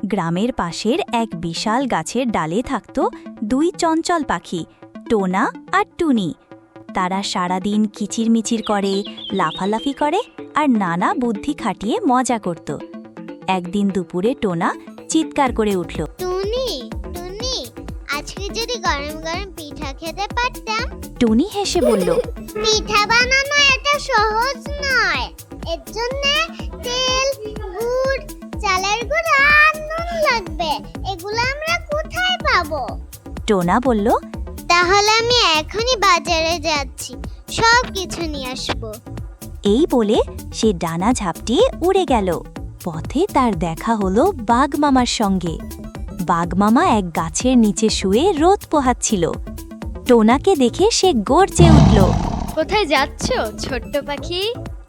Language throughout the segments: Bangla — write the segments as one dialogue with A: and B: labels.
A: গ্রামের পাশের এক বিশাল গাছের ডালে থাকত দুই চঞ্চল পাখি, টোনা আর টুনি। তারা সারাদিন কিচিরমিচির করে, লাফালাফি করে আর নানা বুদ্ধি খাটিয়ে মজা করত। একদিন দুপুরে টোনা চিৎকার করে উঠল,
B: টুনি টুনি, আজকে যদি গরম গরম পিঠা খেতে পারতাম।
A: টুনি হেসে বলল,
B: পিঠা বানানো এটা সহজ নয়। এর জন্য তেল, গুড়, চালের গুঁড়ো আর নুন লাগবে। এগুলো আমরা কোথায় পাবো?
A: টোনা বলল,
B: তাহলে আমি এখনই বাজারে যাচ্ছি, সব কিছু নিয়ে আসবো।
A: এই বলে সে ডানা ঝাপটিয়ে উড়ে গেল। পথে তার দেখা হলো বাঘ মামার সঙ্গে। বাঘ মামা এক গাছের নিচে শুয়ে রোদ পোহাচ্ছিল। টোনাকে দেখে সে গর্জে উঠল।
C: কোথায় যাচ্ছ ছোট্ট পাখি?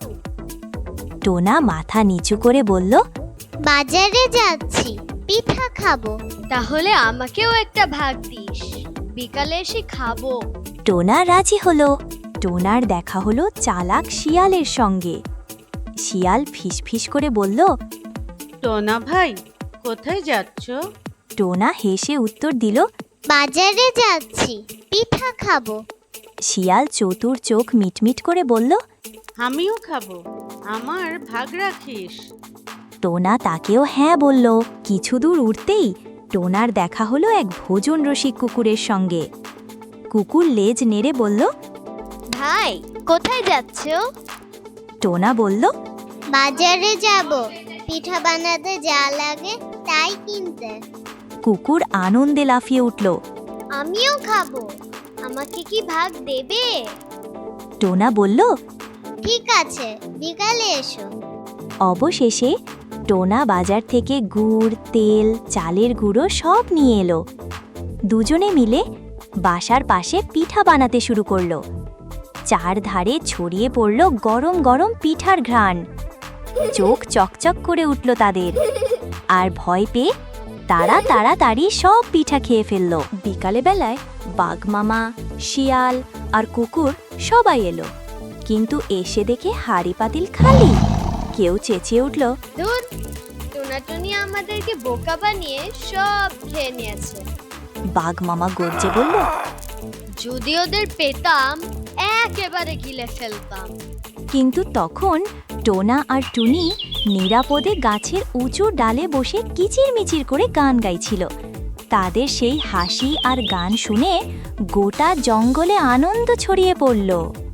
A: টোনা মাথা নিচু করে বলল,
B: বাজারে যাচ্ছি, পিঠা খাবো।
C: তাহলে আমাকেও একটা ভাগ দিস, বিকালে এসে খাবো।
A: টোনা রাজি হলো। টোনার দেখা হলো চালাক শিয়ালের সঙ্গে। শিয়াল ফিসফিস করে বলল,
D: টোনা ভাই, কোথায় যাচ্ছ?
A: টোনা হেসে উত্তর দিল,
B: বাজারে যাচ্ছি, পিঠা খাবো।
A: শিয়াল চতুর চোখ মিটমিট করে বলল,
D: আমিও খাবো, আমার ভাগ রাখিস।
A: টোনা তাকেও হ্যাঁ বলল। কিছু দূর উঠতেই টোনার দেখা হলো এক ভোজন রসিক কুকুরের সঙ্গে। কুকুর লেজ নেড়ে বলল,
C: ভাই, কোথায় যাচ্ছ?
A: টোনা বলল,
B: বাজারে যাব, পিঠা বানাতে যা লাগে তাই কিনতে।
A: কুকুর আনন্দে লাফিয়ে উঠল।
B: আমিও খাবো, আমাকে কি ভাগ দেবে?
A: টোনা বলল,
B: ঠিক আছে, বিকালে এসো।
A: অবশেষে টোনা বাজার থেকে গুড়, তেল, চালের গুঁড়ো সব নিয়ে এলো। দুজনে মিলে বাসার পাশে পিঠা বানাতে শুরু করলো। চারধারে ছড়িয়ে পড়ল গরম গরম পিঠার ঘ্রাণ। চোখ চকচক করে উঠল তাদের। আর ভয় পেয়ে তারা তাড়াতাড়ি সব পিঠা খেয়ে ফেলল। বিকালে বেলায় বাঘ মামা, শিয়াল আর কুকুর সবাই এলো, কিন্তু এসে দেখে হাঁড়ি পাতিল খালি। কেউ চেঁচিয়ে উঠল,
C: ধুর, টোনাটুনি আমাদেরকে বোকা বানিয়ে সব খেয়ে নিয়েছে।
A: বাঘ মামা গর্জে বলল,
C: যদি ওদের পেতাম একেবারে গিলে ফেলতাম।
A: কিন্তু তখন টোনা আর টুনি নিরাপদে গাছের উঁচু ডালে বসে কিচিরমিচির করে গান গাইছিল। তাদের সেই হাসি আর গান শুনে গোটা জঙ্গলে আনন্দ ছড়িয়ে পড়ল।